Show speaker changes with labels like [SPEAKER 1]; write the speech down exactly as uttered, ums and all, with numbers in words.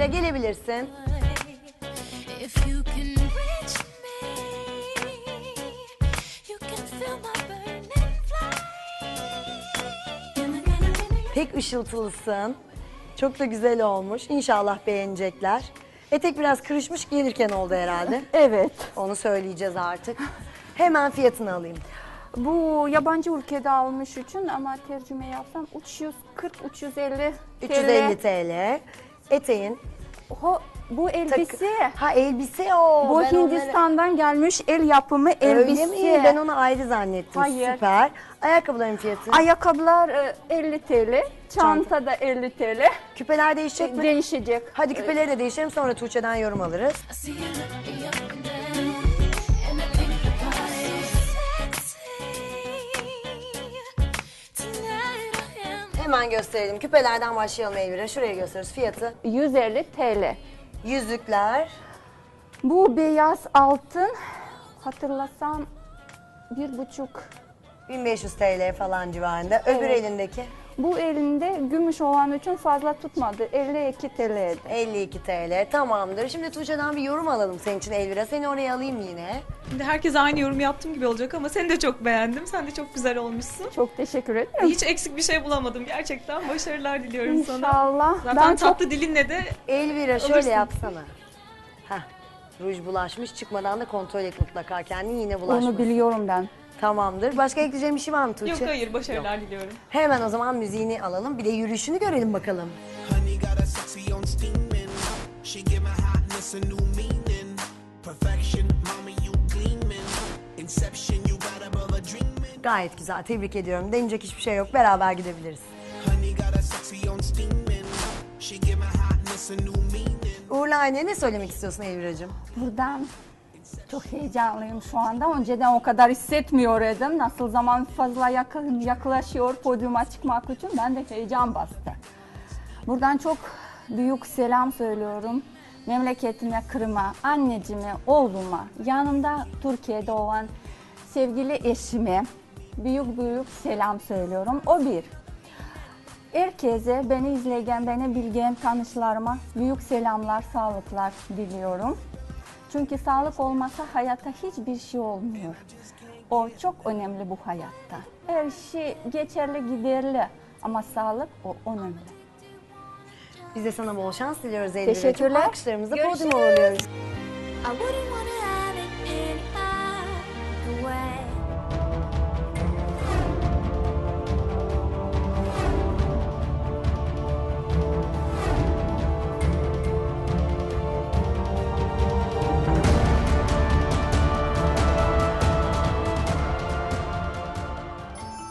[SPEAKER 1] Elvira gelebilirsin. Pek ışıltılısın. Çok da güzel olmuş. İnşallah beğenecekler. Etek biraz kırışmış, gelirken oldu herhalde.
[SPEAKER 2] Evet.
[SPEAKER 1] Onu söyleyeceğiz artık. Hemen fiyatını alayım.
[SPEAKER 2] Bu yabancı ülkede almış için ama tercüme yapsam üç yüz kırk üç yüz elli
[SPEAKER 1] üç yüz elli T L. Eteğin.
[SPEAKER 2] Ho, bu elbise.
[SPEAKER 1] Ha elbise o.
[SPEAKER 2] Bu
[SPEAKER 1] Ben
[SPEAKER 2] Hindistan'dan onları... gelmiş el yapımı elbise.
[SPEAKER 1] Öyle mi? Ben onu ayrı zannettim.
[SPEAKER 2] Hayır.
[SPEAKER 1] Süper. Ayakkabıların fiyatı?
[SPEAKER 2] Ayakkabılar elli T L. Çanta da elli T L.
[SPEAKER 1] Küpeler değişecek mi?
[SPEAKER 2] Değişecek.
[SPEAKER 1] Hadi küpeleri de değiştirelim, sonra Tuğçe'den yorum alırız. Hemen gösterelim. Küpelerden başlayalım Elvira. Şuraya gösteriyoruz. Fiyatı?
[SPEAKER 2] yüz elli T L.
[SPEAKER 1] Yüzükler.
[SPEAKER 2] Bu beyaz altın hatırlasam bir buçuk.
[SPEAKER 1] bin beş yüz T L falan civarında. Öbür
[SPEAKER 2] Evet.
[SPEAKER 1] elindeki?
[SPEAKER 2] Bu elinde gümüş olan için fazla tutmadı. elli iki T L'ydi.
[SPEAKER 1] elli iki T L. Tamamdır. Şimdi Tuğçe'den bir yorum alalım senin için Elvira. Seni oraya alayım yine.
[SPEAKER 3] Şimdi herkes aynı yorum yaptığım gibi olacak ama seni de çok beğendim. Sen de çok güzel olmuşsun.
[SPEAKER 2] Çok teşekkür ederim.
[SPEAKER 3] Hiç eksik bir şey bulamadım gerçekten. Başarılar diliyorum sana.
[SPEAKER 2] İnşallah.
[SPEAKER 3] Zaten
[SPEAKER 2] Ben
[SPEAKER 3] tatlı
[SPEAKER 2] çok...
[SPEAKER 3] dilinle de
[SPEAKER 1] Elvira şöyle
[SPEAKER 3] Alırsın.
[SPEAKER 1] yapsana. Heh. Ruj bulaşmış. Çıkmadan da kontrol et mutlaka kendini, yine bulaşmasın.
[SPEAKER 2] Onu biliyorum ben.
[SPEAKER 1] Tamamdır. Başka ekleyeceğim bir şey var mı Tuğçe?
[SPEAKER 3] yok hayır başarılar diliyorum.
[SPEAKER 1] Hemen o zaman müziğini alalım. Bir de yürüyüşünü görelim bakalım.
[SPEAKER 4] Honey got a sexy on steaming. She give my hotness a new meaning. Perfection, mama you gleaming. Inception, you got above a dreaming.
[SPEAKER 1] Gayet güzel. Tebrik ediyorum. Deneyecek hiçbir şey yok. Beraber gidebiliriz.
[SPEAKER 4] Honey got a sexy on steaming. She give my hotness a new meaning.
[SPEAKER 1] Uğur'la Ayna'ya ne söylemek istiyorsun Elvira'cığım?
[SPEAKER 2] Buradan çok heyecanlıyım şu anda. Önceden o kadar hissetmiyordum. Nasıl zaman fazla yakın, yaklaşıyor podyuma çıkmak için ben de heyecan bastı. Buradan çok büyük selam söylüyorum. Memleketime, Kırım'a, anneciğime, oğluma, yanımda Türkiye'de olan sevgili eşime büyük büyük selam söylüyorum. O bir. Herkese, beni izleyen, beni bilgen tanışlarıma büyük selamlar, sağlıklar diliyorum. Çünkü sağlık olmasa hayatta hiçbir şey olmuyor. O çok önemli bu hayatta. Her şey geçerli, giderli ama sağlık o önemli.
[SPEAKER 1] Biz de sana bol şans diliyoruz Elvira.
[SPEAKER 2] Teşekkürler.
[SPEAKER 1] Alkışlarımızla
[SPEAKER 2] Görüşürüz.
[SPEAKER 1] podyuma uğurluyoruz.
[SPEAKER 5] I wouldn't wanna